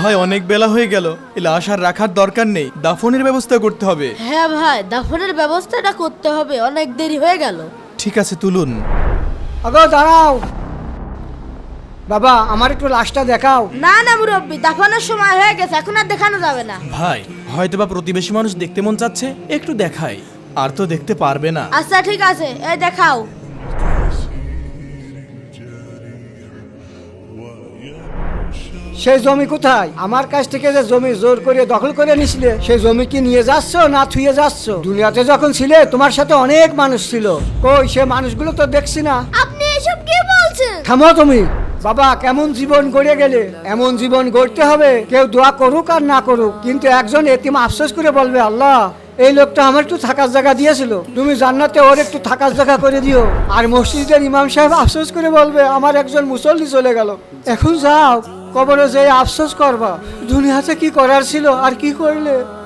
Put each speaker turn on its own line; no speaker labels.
ভাই অনেক বেলা হয়ে গেল, এই লাশ আর রাখার দরকার নেই, দাফনের ব্যবস্থা করতে হবে।
হ্যাঁ ভাই, দাফনের ব্যবস্থাটা করতে হবে, অনেক দেরি হয়ে গেল।
ঠিক আছে, তুলুন।
আগো দাঁড়াও, বাবা আমার একটু লাশটা দেখাও।
না না মুরব্বি, দাফনের সময় হয়ে গেছে, এখন আর দেখানো যাবে না।
ভাই হয়তোবা প্রতিবেশী মানুষ দেখতে মন চাচ্ছে, একটু দেখাই। আর তো দেখতে পারবে না।
আচ্ছা ঠিক আছে, এই দেখাও।
সেই জমি কোথায়? আমার কাছ থেকে যে জমি জোর করে দখল করে নিছিলে, সেই জমি কি নিয়ে যাচ্ছ না থুয়ে যাচ্ছ? দুনিয়াতে যখন ছিলে তোমার সাথে অনেক মানুষ ছিল, কই সে মানুষগুলো তো দেখছি না।
আপনি এসব কি বলছেন?
থামো তুমি। বাবা কেমন জীবন গড়ে গেলে, এমন জীবন গড়তে হবে কেউ দোয়া করুক আর না করুক, কিন্তু একজন এতিম আফসোস করে বলবে, আল্লাহ এই লোকটা আমার একটু থাকার জায়গা দিয়েছিল, তুমি জান্নাতে ওর একটু থাকার জায়গা করে দিও। আর মসজিদের ইমাম সাহেব আফসোস করে বলবে, আমার একজন মুসল্লি চলে গেল। এখন যাও, কবরে যেয়ে আফসোস করবা, দুনিয়াতে কি করার ছিল আর কি করলে।